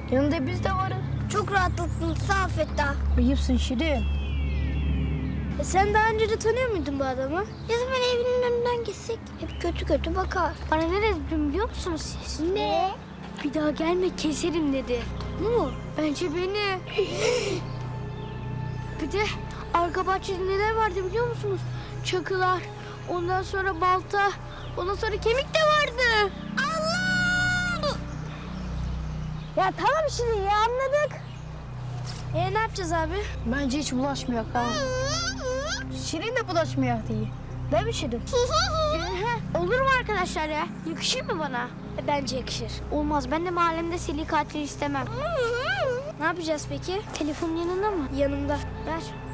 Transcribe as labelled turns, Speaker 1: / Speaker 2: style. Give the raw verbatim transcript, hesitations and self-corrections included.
Speaker 1: Yanında biz de varız.
Speaker 2: Çok rahatlattın sağ ol Fettah.
Speaker 1: Ayıpsın Şirin.
Speaker 2: E sen daha önce de tanıyor muydun bu adamı? Ya zaman evinin önünden geçsek hep kötü kötü bakar. Bana ne dedi biliyor musunuz siz? Ne? Bir daha gelme keserim dedi. Mu? Bence beni. Bir de arka bahçede neler vardı biliyor musunuz? Çakılar, ondan sonra balta, ondan sonra kemik de vardı. Allah! Ya tamam Şirin ya anladık. E ne yapacağız abi?
Speaker 1: Bence hiç bulaşmayak ha. Şirin de bulaşmayak diye. Değil mi Şirin?
Speaker 2: Olur mu arkadaşlar ya? Yakışır mı bana? E, bence yakışır. Olmaz. Ben de mahallemde seri katil istemem. Ne yapacağız peki? Telefon yanında mı? Yanımda. Ver.